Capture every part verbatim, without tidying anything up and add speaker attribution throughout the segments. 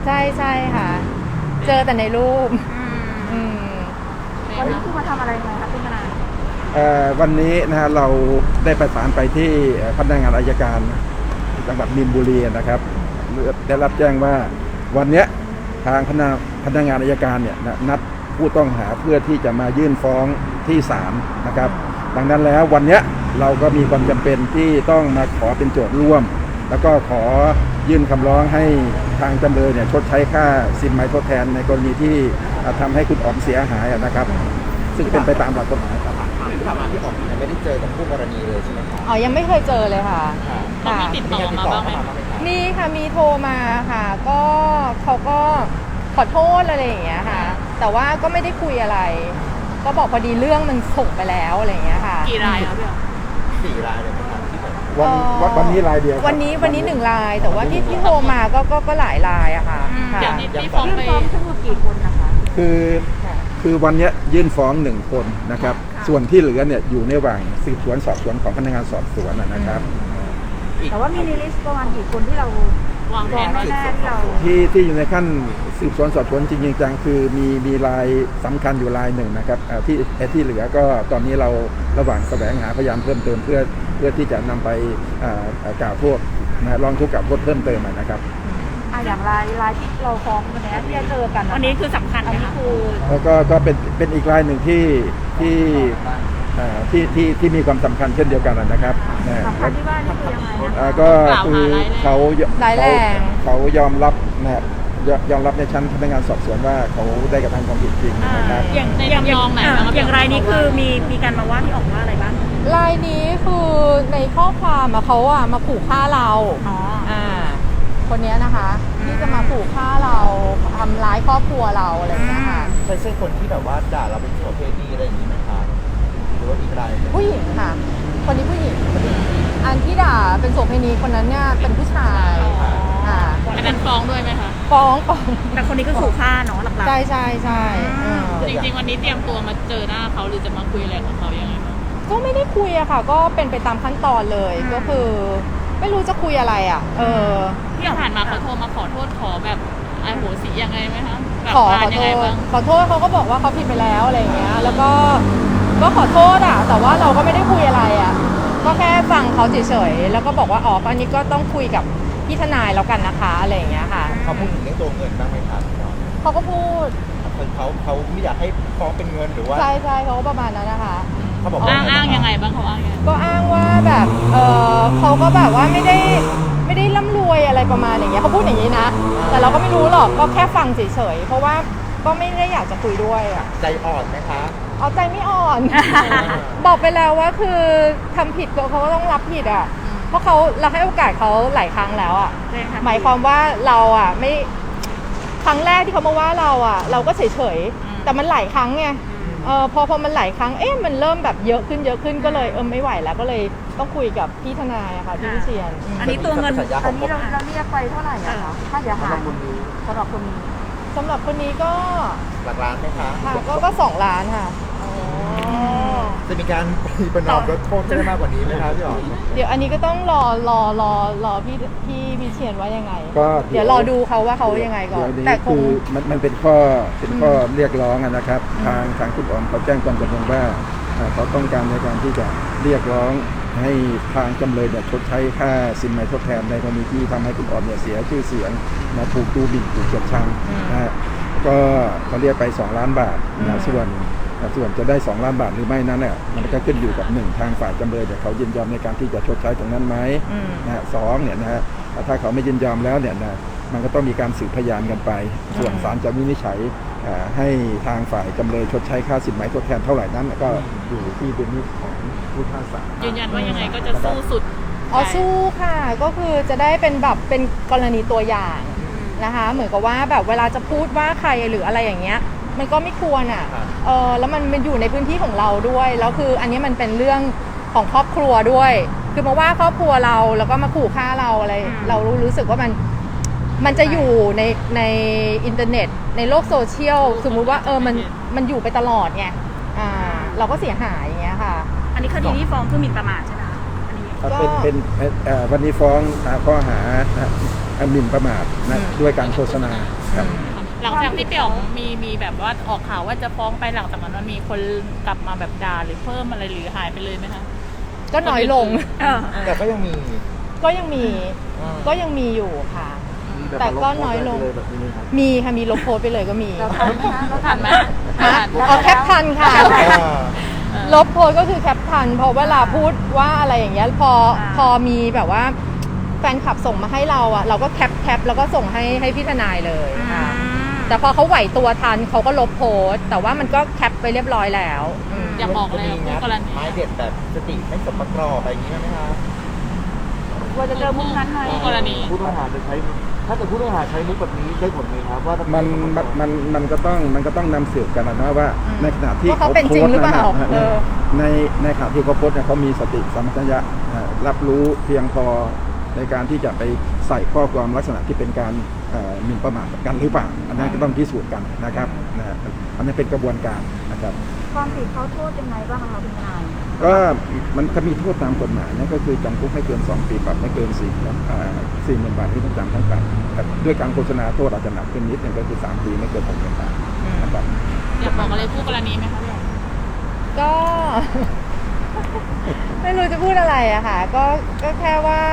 Speaker 1: ใช่ใช่ค่ะเจอแต่ในรูปอืม
Speaker 2: วันนี้คือมาทำอะไรมาคะคุณทนาย
Speaker 3: วันนี้นะฮะเราได้ประสานไปที่พนักงานอัยการจังหวัดมีนบุรีนะครับได้รับแจ้งว่าวันนี้ทางพนักพนักงานอัยการเนี่ยนัดผู้ต้องหาเพื่อที่จะมายื่นฟ้องที่ศาลนะครับดังนั้นแล้ววันนี้เราก็มีความจำเป็นที่ต้องมาขอเป็นโจทย์ร่วมแล้วก็ขอยื่นคำร้องให้ทางจำเลยเนี่ยชดใช้ค่าสินไหมทดแทนในกรณีที่ทำให้คุณอ๋อมเสียหายนะครับซึ่งเป็นไปตามหลักกฎหมายครับ
Speaker 4: ที่ผ่านมาที่ออกยังไม่ได้เจอกับคู่กรณีเลยใช่ไหมครับ
Speaker 1: อ๋อยังไม่เคยเจอเลยค่ะ
Speaker 4: ค่ะมีติดต่อมาบ้างไหม
Speaker 1: มีค่ะมีโทรมาค่ะก็เขาก็ขอโทษอะไรอย่างเงี้ยค่ะแต่ว่าก็ไม่ได้คุยอะไรก็บอกพอดีเรื่องมันส่งไปแล้วอะไรอย่างเงี้ยค่ะ
Speaker 2: กี่รายครับพี่อ๋อ
Speaker 4: สี่รายเลยครับที่แบบ
Speaker 3: วันวันนี้รายเดียว
Speaker 1: วันนี้วันนี้หนึ่งรายแต่ว่าที่ที่โทรมาก็ก็ก็หลายรายอะค่ะ
Speaker 2: อย่างที่ที่ฟ้องไปทั้งหมดกี่คนนะคะ
Speaker 3: คือคือวันนี้ยื่นฟ้องหนึ่งคนนะครับส่วนที่เหลือเนี่ยอยู่ในระหว่างสืบสวนสอบสวนของพนักงานสอบสวนนะครับ
Speaker 2: แต่ว่ามีในลิสต์ประมาณกี่คนที่เราวางแผนแน่ที่เรา
Speaker 3: ที่ที่อยู่ในขั้นสืบสวนสอบสวนจริงๆจังคือมีมีรายสำคัญอยู่รายหนึ่งนะครับที่ที่เหลือก็ตอนนี้เราระหว่างแสวงหาพยานเพิ่มเติมเพื่อเพื่อที่จะนำไปกล่าวโทษนะร้องทุกข์กล่าวโทษเพิ่มเติมนะครับ
Speaker 2: อย่างรายรายที่เราฟ้องวันนี้ที่จะเจอกันอันนี้คือสำคัญอันนี้คือ
Speaker 3: แล้วก็ก็เป็นเป็นอีกรายหนึ่งที่ที่ที่ที่ที่มีความสำคัญเช่นเดียวกันนะครับ
Speaker 2: สำคัญที่ว่านี่คือยังไง
Speaker 3: ก็คือเขาเขาเขายอมรับนะครับยอมรับในชั้นพนักงานสอบสวนว่าเขาได้กระทำความผิดจริงนะครับ
Speaker 2: อย่างในลำยองไหนอย่างรายนี้คือมีมีการมาว่าที่ออกว่าอะไรบ้าง
Speaker 1: รายนี้คือในข้อความเขาอะมาขู่ฆ่าเรา
Speaker 2: อ๋อ
Speaker 1: อ่าคนนี้นะคะที่จะมาขู่ฆ่าเราทำร้ายครอบครัวเราอะไรอย่างเงี้ยค่ะ
Speaker 4: ใช่ใช่คนที่แบบว่าด่าเราเป็นโสเภณีอะไรอย่างนี้ไหมคะหรือว่าอีกราย
Speaker 1: ผู้หญิงค่ะคนนี้ผู้หญิงอันที่ด่าเป็นโสเภณีคนนั้นเนี่ยเป็นผู้ชาย
Speaker 2: อ่าอันนั้นฟ้องด้วยไหมคะ
Speaker 1: ฟ้องฟ้อง
Speaker 2: แต่คนนี้ก็ขู่ฆ่าเนาะหลักๆ
Speaker 1: ใช่ใช่ใช่
Speaker 2: จริงๆวันนี้เตรียมตัวมาเจอหน้าเขาหรือจะมาคุยอะไรกับเขายังไงบ้าง
Speaker 1: ก็ไม่ได้คุยอะค่ะก็เป็นไปตามขั้นตอนเลยก็คือไม่รู้จะคุยอะไรอ่ะเออ
Speaker 2: ที่ผ่านมาเขาโทรมาขอโทษขอแบบไอ้โหสียังไงไหมคะ
Speaker 1: ขอขอโทษขอโทษเขาก็บอกว่าเขาผิดไปแล้วอะไรอย่างเงี้ยแล้วก็ก็ขอโทษอ่ะแต่ว่าเราก็ไม่ได้คุยอะไรอ่ะก็แค่ฟังเขาเฉยๆแล้วก็บอกว่าอ๋อตอนนี้ก็ต้องคุยกับพี่ทนายแล้วกันนะคะอะไรอย่างเงี้ยค่ะ
Speaker 4: เขาพูดถึงเรื่องตัวเงินบ้างไหมครับ
Speaker 1: เขาก็พูด
Speaker 4: เขาเขาไม่อยากให้ฟ้องเป็นเงินหรือว่า
Speaker 1: ใช่ใช่เขาก็ประมาณนั้นนะคะ
Speaker 4: เขาบอก
Speaker 2: อ้างอ้างยังไงบ้างเขาอ้าง
Speaker 1: ก็อ้างว่าแบบเออเขาก็แบบว่าไม่ได้ไม่ได้ร่ำรวยอะไรประมาณอย่างเงี้ยเขาพูดอย่างนี้นะแต่เราก็ไม่รู้หรอกก็แค่ฟังเฉยๆเพราะว่าก็ไม่ได้อยากจะคุยด้วยอ่ะ
Speaker 4: ใจอ่อนไหมคะ
Speaker 1: เอาใจไม่อ่อน บอกไปแล้วว่าคือทำผิดเขาก็ต้องรับผิดอ่ะเพราะเขาเราให้โอกาสเขาหลายครั้งแล้วอ่ะหมายความว่าเราอ่ะไม่ครั้งแรกที่เขามาว่าเราอ่ะเราก็เฉยๆแต่มันหลายครั้งไงเออพอพอมันหลายครั้งเอ๊ะมันเริ่มแบบเยอะขึ้นเยอะขึ้นก็เลยเออไม่ไหวแล้วก็เลยต้องคุยกับพี่ทนายอะค่ะพี่วิเชียร
Speaker 2: อันนี้ตัวเงินอันนี้เราเราเรียกไปเท่าไหร่อะคะค่าเสียหายสำหรับคนนี้
Speaker 1: สำหรับคนนี้ก็
Speaker 4: หลักล้านไหมคะ
Speaker 1: ค่ะก็ก็สองล้านค่ะ
Speaker 4: จะมีการประนอมลดโทษได้มากกว่านี้ไหมครับพี่อ๋อ
Speaker 1: เดี๋ยวอันนี้ก็ต้องรอรอรอรอพี่พี่วิเชียรว่ายังไงก็เดี๋ยวรอดูเขาว่าเขายังไงก่อน
Speaker 3: แต่คือมันมันเป็นข้อเป็นข้อเรียกร้องนะครับทางทางคุณอ๋อมเขาแจ้งความจำนงว่าเขาต้องการในการที่จะเรียกร้องให้ทางจำเลยเนี่ยชดใช้ค่าสินไหมทดแทนในกรณีที่ทำให้คุณอ๋อมเนี่ยเสียชื่อเสียงมาถูกดูหมิ่นถูกเกลียดชังนะฮะก็เขาเรียกไปสองล้านบาทนะส่วนส่วนจะได้สองล้านบาทหรือไม่นั้นเนี่ยมันก็ขึ้นอยู่กับหนึ่งทางฝ่ายจำเลยแต่เขายินยอมในการที่จะชดใช้ตรงนั้นไหมนะสองเนี่ยนะฮะถ้าเขาไม่ยินยอมแล้วเนี่ยนะมันก็ต้องมีการสืบพยานกันไปส่วนศาลจะวินิจฉัยให้ทางฝ่ายจำเลยชดใช้ค่าสินไหมทดแทนเท่าไหร่นั้นก็อยู่ที่ดุลพินิจของผู้พิพากษา
Speaker 2: ยืนยันว่ายังไงก็จะสู้สุด
Speaker 1: อ๋อสู้ค่ะก็คือจะได้เป็นแบบเป็นกรณีตัวอย่างนะคะเหมือนกับว่าแบบเวลาจะพูดว่าใครหรืออะไรอย่างเงี้ยมันก็ไม่ควรอ่ะเออแล้วมันมันอยู่ในพื้นที่ของเราด้วยแล้วคืออันนี้มันเป็นเรื่องของครอบครัวด้วยคือมาว่าครอบครัวเราแล้วก็มาขู่ฆ่าเราอะไรเรารู้รู้สึกว่ามันมันจะอยู่ในในอินเทอร์เน็ตในโลกโซเชียลสมมุติว่าเออมันมันอยู่ไปตลอดไงอ่าเราก็เสียหายอย่างเงี้ยค่ะ
Speaker 2: อันนี้คดีที่ฟ้องคือหมิ่นประมาทใช่ไหมคะอันนี้
Speaker 3: ก็เป็นเป็นวันนี้ฟ้องข้อหาหมิ่นประมาทนะด้วยการโฆษณาครับ
Speaker 5: หลังจากที่พี่อ๋องมีมีแบบว่าออกข่าวว่าจะฟ้องไปหลังจากนั้นมันมีคนกลับมาแบบด่าหรือเพิ่มอะไรหรือหายไปเลยไหมคะ
Speaker 1: ก็น้อยลง
Speaker 4: แต่ก็ยังมี
Speaker 1: ก็ยังมี
Speaker 4: อ่า
Speaker 1: ก็ยังมีอยู่ค่ะ แต่ก็น้อยลง มีค่ะมีลบโพสต์ไปเลยก็มี
Speaker 2: เราทันไหมคะเรา
Speaker 5: ทันไหม
Speaker 1: ฮะ
Speaker 5: ทัน
Speaker 1: อ๋อแคปทันค่ะ
Speaker 4: อ่า
Speaker 1: ลบโพสต์ก็คือแคปทันเพอเวลาพูดว่าอะไรอย่างเงี้ยพอพอมีแบบว่าแฟนคลับส่งมาให้เราอ่ะเราก็แคปแคปแล้วก็ส่งให้ให้พี่ทนายเลยค่ะแต่พอเขาไหวตัวทันเขาก็ลบโพสต์แต่ว่ามันก็แคปไปเรียบร้อยแล้วอืม
Speaker 5: อยากบอกเลย
Speaker 4: มี
Speaker 5: คู่
Speaker 4: งัด
Speaker 5: กรณี
Speaker 4: ไม้เด็ดแบบสติไม่สมประกอบอะไรอย่างนี้ไหมคะ
Speaker 2: กลัวจะเจอมุกนั้นไหม
Speaker 5: คู่กรณี
Speaker 6: ผู้ต้องหาจะใช้ ถ้าเกิดผู้ต้องหาใช้มุกแบบนี้ได้ผลไหมครับว่าถ้า
Speaker 3: มันมันมันมันก็ต้องมันก็ต้องนำสืบกันนะว่า
Speaker 1: อืม
Speaker 3: ในขณะที่
Speaker 1: ว่าเขาเป็นจริงหรือเปล่า
Speaker 3: โพสต์นั้น
Speaker 1: เออ
Speaker 3: ในในขณะที่เขาโพสต์เนี่ยเขามีสติสัมปชัญญะเอ่อรับรู้เพียงพอในการที่จะไปใส่ข้อความลักษณะที่เป็นการเอ่อหมิ่นประมาทกันหรือเปล่าอันนั้นก็ต้องพิสูจน์กันนะครับนะฮะอันนี้เป็นกระบวนการนะครับ
Speaker 2: ความผิดเขาโทษยังไงบ้างคะคุณทนาย
Speaker 3: ก็มันก็มีโทษตามกฎหมายนั่นก็คือจำคุกไม่เกินสองปีปรับไม่เกินสี่สี่หมื่นบาทที่ต้องจำทั้งปรับแต่ด้วยการโฆษณาโทษอาจจะหนักขึ้นนิดนึงก็คือสามปีไม่เกินหกหมื่นบาทนะครับ
Speaker 5: อยากบอกอะไรคู่กรณีไหมคะพี่อ๋อง
Speaker 1: ก็ ไม่รู้จะพูดอะไรอะค่ะ ก็ก็แค่ว่า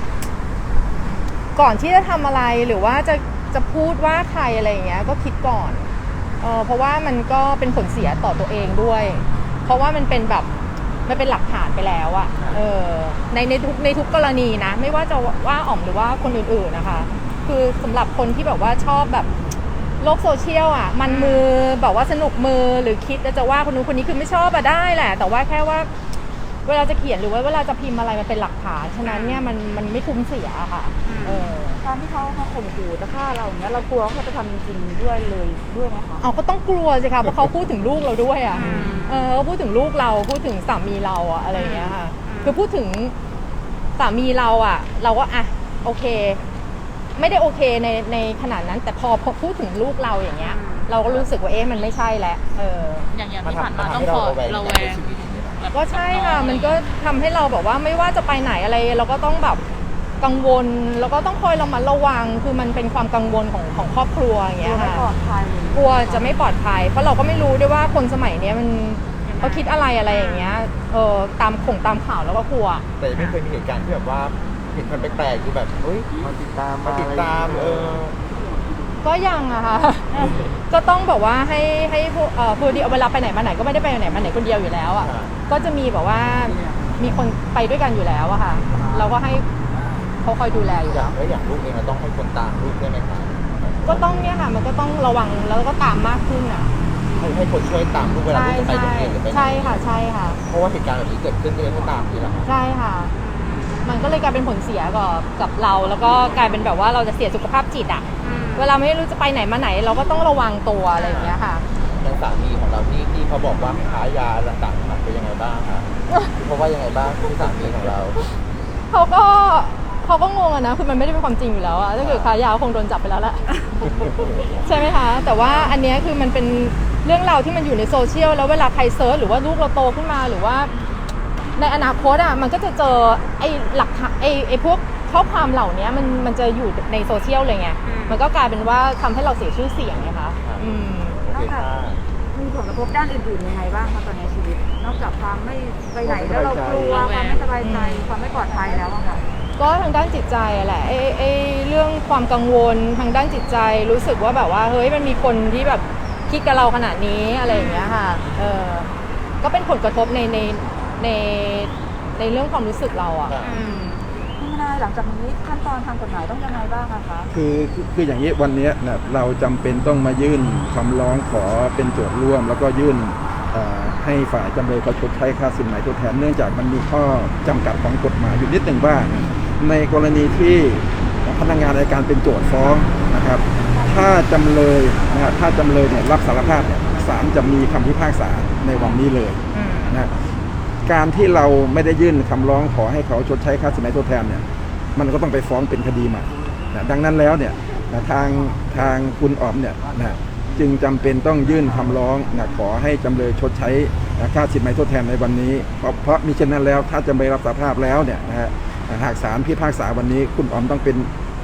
Speaker 1: ก่อนที่จะทำอะไรหรือว่าจะจะพูดว่าใครอะไรอย่างเงี้ย ก็คิดก่อนเออเพราะว่ามันก็เป็นผลเสียต่อตัวเองด้วย เพราะว่ามันเป็นแบบมันเป็นหลักฐานไปแล้วอะเออในในทุกในทุกกรณีนะ ไม่ว่าจะว่าอ๋อมหรือว่าคนอื่นๆนะคะ คือสำหรับคนที่แบบว่าชอบแบบโลกโซเชียลอ่ะ มันมือแบบว่าสนุกมือหรือคิดจะว่าคนนู้นคนนี้คือไม่ชอบอะได้แหละ แต่ว่าแค่ว่า เวลาจะเขียนหรือว่าเวลาจะพิมพ์อะไรมันเป็นหลักฐานฉะนั้นเนี่ยมันมันไม่คุ้มเสียอะค่ะเออ
Speaker 2: ตอนที่เขามาข่มขู่จะฆ่าเราอย่างเงี้ยเรากลัวเขาจะทำจริงๆด้วยเลยด้วยไหมคะ
Speaker 1: เอาก็ต้องกลัวสิคะเพราะเขาพูดถึงลูกเราด้วยอ่ะเออเขาพูดถึงลูกเราพูดถึงสามีเราอะอะไรอย่างเงี้ยค่ะคือพูดถึงสามีเราอ่ะ เราก็อ่ะโอเค ไม่ได้โอเคในในขนาดนั้น แต่พอพอพูดถึงลูกเราอย่างเงี้ย เราก็รู้สึกว่าเอ๊ะมันไม่ใช่แล้วเออ
Speaker 5: อย่างอย่าง
Speaker 4: มัน
Speaker 5: ที่ผ่าน
Speaker 4: ทำ
Speaker 5: มา
Speaker 4: มัน
Speaker 5: ต้อง
Speaker 4: ทำให้
Speaker 5: ค
Speaker 4: เรา
Speaker 5: อย
Speaker 4: ระแวง
Speaker 5: ระแว
Speaker 4: ใน
Speaker 5: ง
Speaker 4: ชีวิตอย่างนี้เหรอ
Speaker 1: ก็ใช่ค่ะมันก็ทำให้เราแบบว่าไม่ว่าจะไปไหนอะไร เราก็ต้องแบบกังวลแล้วก็ต้องคอยระมัดระวังคือมันเป็นความกังวลของของครอบครัวอย่าง
Speaker 2: กลั
Speaker 1: เงี้
Speaker 2: วย ไม่
Speaker 1: ค่ะ
Speaker 2: ปลอดภัย
Speaker 1: กลัวจะไม่ปลอดภัย เพราะเราก็ไม่รู้ด้วยว่าคนสมัยเนี้ยมันเขาคิดอะไรอะไรอย่างเงี้ยเออตามข่งตามข่าวแล้วก็กลัว
Speaker 4: แต่ยังไม่เคยมีเหตุการณ์ที่แบบว่าเห็นคนแปลกๆคือแบบเฮ้ย
Speaker 6: มาติดตาม
Speaker 4: มาติดตามเออ
Speaker 1: ก็ยังอะค่ะ ก็ต้องแบบว่าให้ให้พวกเอ่อพูดดีเวลาไปไหนมาไหนก็ไม่ได้ไปไหนมาไหนคนเดียวอยู่แล้วอะ
Speaker 4: อ่า
Speaker 1: ก็จะมีแบบว่ามีคนไปด้วยกันอยู่แล้วอะค่ะ เราก็ให้เขาคอยดูแลอยู่
Speaker 4: อ
Speaker 1: แล้
Speaker 4: ย่าง
Speaker 1: ว
Speaker 4: เอ้ยอย่างลูกเองเราต้องให้คนตามลูกได้ไหมคะ
Speaker 1: ก็ต้องเนี่ยค่ะมันก็ต้องระวังแล้วก็ตามมากขึ้นอะ
Speaker 4: ให้ให้คนช่วยตามลูกเวลา
Speaker 1: ใช่
Speaker 4: ลูกจะไป
Speaker 1: ใช่
Speaker 4: โรงเรียนหรือไปไหน
Speaker 1: ใช่ค่ะใช่ค่ะ
Speaker 4: เพราะว่าเหตุการณ์แบบนี้เกิดขึ้นก็เลยต้องตามทีหลัง
Speaker 1: ใช่ค่ะ มันก็เลยกลายเป็นผลเสียกับกับเรา แล้วก็กลายเป็นแบบว่าเราจะเสียสุขภาพจิตอะเวลาไม่รู้จะไปไหนมาไหน เราก็ต้องระวังตัวอะไรอย่างเงี้ยค่ะ
Speaker 4: อย่างสามีของเราที่ที่เขาบอกว่าค้ายาต่างๆมันเป็นยังไงบ้างคะเพราะว่ายังไงบ้างที่สามีของเรา
Speaker 1: เขาก็เขาก็งงอะนะคือมันไม่ได้เป็นความจริงอยู่แล้วอะถ้าเกิดค้ายาคงโดนจับไปแล้วแหละ ใช่ไหมคะ แต่ว่าอันเนี้ยคือมันเป็นเรื่องราวที่มันอยู่ในโซเชียลแล้วเวลาใครเซิร์ชหรือว่าลูกเราโตขึ้นมาหรือว่าในอนาคตอะมันก็จะเจอไอ้หลักฐานไอ้ไอ้พวกข้อความเหล่านี้มันมันจะอยู่ในโซเชียลเลยไงมันก็กลายเป็นว่าทำให้เราเสียชื่อเสียงไงคะอืม
Speaker 4: โอเคค่ะ
Speaker 2: มีผลกระทบด้านอื่นๆยังไงบ้างคะตอนนี้ชีวิต นอกจากความไม่ไปไหนแล้วเรากลัวความไม่สบายใจความไม่ปลอดภัยแล้วอะค่ะ
Speaker 1: ก็ทางด้านจิตใจอะแหละไอ้ไอ้เรื่องความกังวลทางด้านจิตใจรู้สึกว่าแบบว่าเฮ้ยมันมีคนที่แบบคิดกับเราขนาดนี้อะไรอย่างเงี้ยค่ะเออก็เป็นผลกระทบในในในในเรื่องความรู้สึกเราอ่ะ
Speaker 4: ค่ะ
Speaker 1: อืม
Speaker 2: พี่นายหลังจากนี้ขั้นตอนทางกฎหมายต้องยังไงบ้างอะคะ
Speaker 3: คือคือคืออย่างนี้วันเนี้ยนะเราจำเป็นต้องมายื่นคำร้องขอเป็นโจทย์ร่วม แล้วก็ยื่นเอ่อให้ฝ่ายจำเลยเขาชดใช้ค่าสินไหมทดแทนเนื่องจากมันมีข้อจำกัดของกฎหมายอยู่นิดหนึ่งว่า ในกรณีที่พนักงานอัยการเป็นโจทย์ฟ้องนะครับ ถ้าจำเลยนะฮะถ้าจำเลยเนี่ยรับสารภาพเนี่ยศาลจะมีคำพิพากษาในวันนี้เลย
Speaker 1: อืม
Speaker 3: นะการที่เราไม่ได้ยื่นคำร้องขอให้เขาชดใช้ค่าสินไหมทดแทนเนี่ยมันก็ต้องไปฟ้องเป็นคดีใหม่นะดังนั้นแล้วเนี่ยนะทางทางคุณออมเนี่ยนะจึงจำเป็นต้องยื่นคำร้องนะขอให้จำเลยชดใช้นะค่าสินไหมทดแทนในวันนี้เพราะเพราะมิฉะนั้นแล้วถ้าจำเลยรับสารภาพแล้วเนี่ยนะฮะหากศาลพิพากษาวันนี้คุณออมต้องเป็น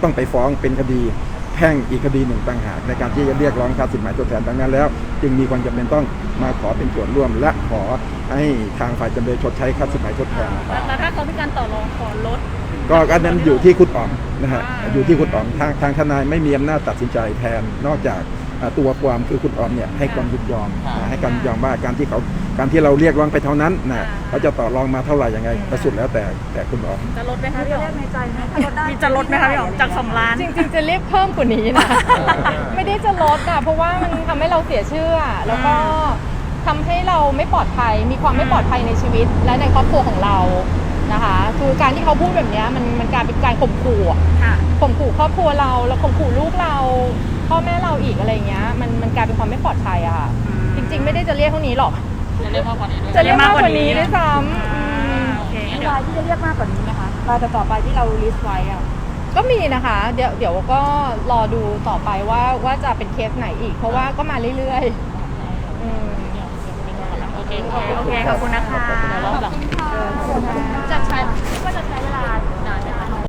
Speaker 3: ต้องไปฟ้องเป็นคดีแพ่งอีกคดีหนึ่งต่างหากในการที่จะเรียกร้องค่าสินไหมทดแทนดังนั้นแล้ว จึงมีความจำเป็นต้องมาขอเป็นส่วนร่วม และขอให้ทางฝ่ายจำเลยชดใช้ค่าสินไหมทดแทน
Speaker 5: แล้วถ้าเขามีการต่อรองขอลด
Speaker 3: ก็อันนั้นอยู่ที่คุณอ๋อมนะฮะ
Speaker 5: อ่า
Speaker 3: อยู่ที่คุณอ๋อมทางทางทนายไม่มีอำนาจตัดสินใจแทนนอกจากอ่าตัวความคือคุณอ๋อมเนี่ยให้ความยินยอมนะให้การยินยอมว่าการที่เขาการที่เราเรียกร้องไปเท่านั้นนะเขาจะต่อรองมาเท่าไหร่ยังไงก็สุดแล้วแต่แต่คุณอ๋อม
Speaker 5: จะลดไหมคะ
Speaker 2: มี
Speaker 5: พี่
Speaker 2: ตัว
Speaker 5: อ๋
Speaker 2: เล
Speaker 5: อม
Speaker 2: ขในใจไหมถ้าลดได้
Speaker 5: มีจะลดไหมคะพี่อ๋อมจากสองล้าน
Speaker 1: จริงๆจะเรียกเพิ่มกว่านี้นะ ไม่ได้จะลดอ่ะเพราะว่ามันทำให้เราเสียชื่ออะแล้วก็ทำให้เราไม่ปลอดภัย มีความไม่ปลอดภัยในชีวิต และในครอบครัวของเรานะคะ คือการที่เขาพูดแบบเนี้ยมันมันกลายเป็นการข่มขู่อะ
Speaker 5: ค่ะ
Speaker 1: ข่มขู่ครอบครัวเราแล้วข่มขู่ลูกเรา พ่อแม่เราอีกอะไรเงี้ยมันมันกลายเป็นความไม่ปลอดภัยอะค่ะ
Speaker 5: อืม
Speaker 1: จริง ๆ ไม่ได้จะเรียกเท่านี้หรอก
Speaker 5: จะเรียกมากกว่านี้ด้วย
Speaker 1: จะเรียกมากกว่านี้ด้วยซ้ำอืม
Speaker 5: โอเค
Speaker 2: มี
Speaker 5: เดี๋ยว
Speaker 2: รายที่จะเรียกมากกว่านี้นะคะรายต่อๆไปที่เราลิสต์ไว้อะ
Speaker 1: ก็มีนะคะ เดี๋ยวเดี๋ยวก็รอดูต่อไปว่าว่าจะเป็นเคสไหนอีก เพราะว่าก็มาเรื่อยๆอืม
Speaker 5: โอเคโอเค ขอบคุณนะคะ
Speaker 3: ขอบคุณครับ
Speaker 5: เดี๋ยวรอบหลัง